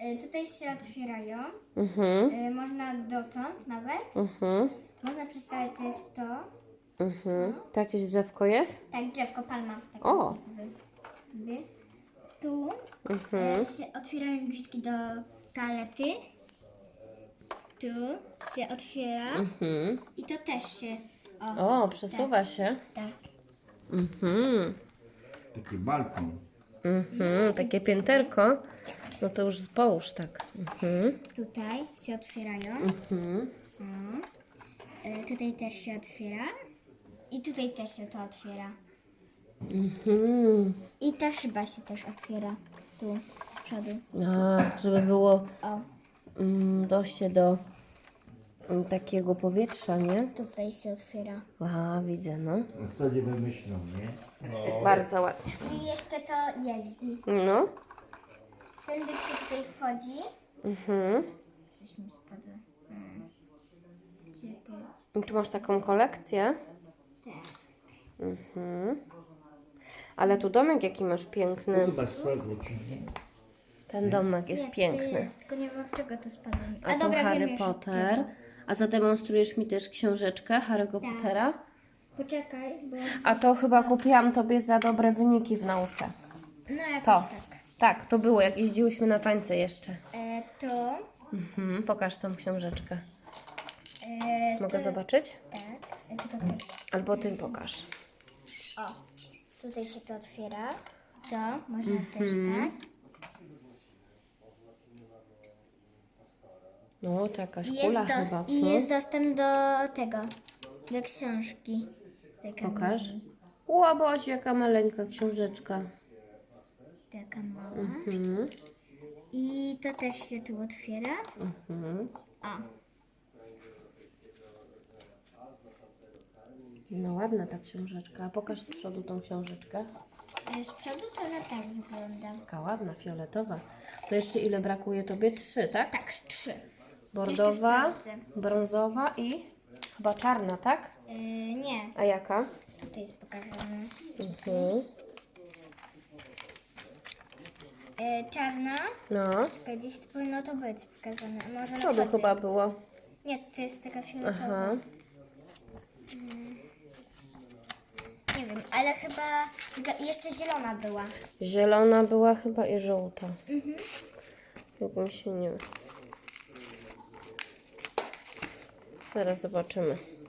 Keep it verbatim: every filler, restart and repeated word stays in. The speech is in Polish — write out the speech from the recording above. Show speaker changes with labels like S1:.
S1: Y, tutaj się otwierają.
S2: Mhm.
S1: Y, można dotąd nawet.
S2: Mhm.
S1: Można przedstawić też to.
S2: Mhm. To jakieś drzewko jest?
S1: Tak, drzewko, palma. Taka
S2: O.
S1: jakby, jakby. Tu
S2: Mhm.
S1: y, się otwierają drzwiczki do toalety. Tu się otwiera.
S2: Mhm.
S1: I to też się. O,
S2: O, przesuwa się.
S1: tak.
S2: Mhm.
S3: Taki balkon.
S2: Mhm. Takie pięterko. No to już połóż tak. Mhm.
S1: Tutaj się otwierają.
S2: Mhm.
S1: O. Y, tutaj też się otwiera. I tutaj też się to otwiera.
S2: Mhm.
S1: I ta szyba się też otwiera. Tu, z przodu.
S2: A, żeby było
S1: O,
S2: mm, dojście do mm, takiego powietrza, nie?
S1: tutaj się otwiera.
S2: A, widzę, no.
S3: W zasadzie wymyślą, nie?
S2: Bardzo ładnie.
S1: I jeszcze to jeździ.
S2: No.
S1: Ten byk się tutaj wchodzi.
S2: Mhm.
S1: Coś mi spadło. Hmm. Czekaj.
S2: I tu masz taką kolekcję.
S1: Tak.
S2: Mhm. Ale tu domek jaki masz piękny.
S3: Zobacz, spadło ci.
S2: Ten domek jest
S1: Nie, to
S2: piękny.
S1: jest, tylko nie wiem, w czego to spadło.
S2: A to
S1: wiem
S2: Harry
S1: już
S2: Potter.
S1: czego.
S2: A zademonstrujesz mi też książeczkę Harry'ego
S1: Tak.
S2: Pottera.
S1: Poczekaj, bo...
S2: A to chyba kupiłam tobie za dobre wyniki w nauce.
S1: No jakoś
S2: To.
S1: tak.
S2: Tak, to było, jak jeździłyśmy na tańce jeszcze.
S1: E, to...
S2: Mhm. Pokaż tą książeczkę.
S1: E,
S2: Mogę
S1: to,
S2: zobaczyć?
S1: Tak. E, tylko ty.
S2: Albo ty pokaż.
S1: O, tutaj się to otwiera. To można też
S2: Mhm.
S1: tak.
S2: No, to jakaś
S1: I
S2: kula
S1: jest, dos-
S2: chyba, co?
S1: I jest dostęp do tego, do książki. Taka
S2: Pokaż.
S1: mała.
S2: Ła, Boś, jaka maleńka książeczka.
S1: Taka mała.
S2: Mhm.
S1: I to też się tu otwiera.
S2: Mhm.
S1: O,
S2: No ładna ta książeczka. A pokaż z przodu tą książeczkę.
S1: e, z przodu to ona tak wygląda.
S2: Taka ładna, fioletowa. To jeszcze ile brakuje tobie? Trzy, tak?
S1: Tak, trzy.
S2: Bordowa,
S1: Jeszcze sprawdzę.
S2: brązowa i chyba czarna, tak?
S1: E, nie,
S2: A jaka?
S1: tutaj jest pokazane.
S2: Mhm.
S1: E, czarna.
S2: No.
S1: Czekaj, gdzieś tu powinno to być pokazane. A może
S2: Z
S1: na
S2: przodu
S1: przodzie?
S2: chyba było.
S1: Nie, to jest taka fioletowa.
S2: Aha.
S1: Nie wiem, ale chyba taka- jeszcze zielona była.
S2: Zielona była chyba i żółta.
S1: Mhm.
S2: Jak mi się nie... Zaraz zobaczymy.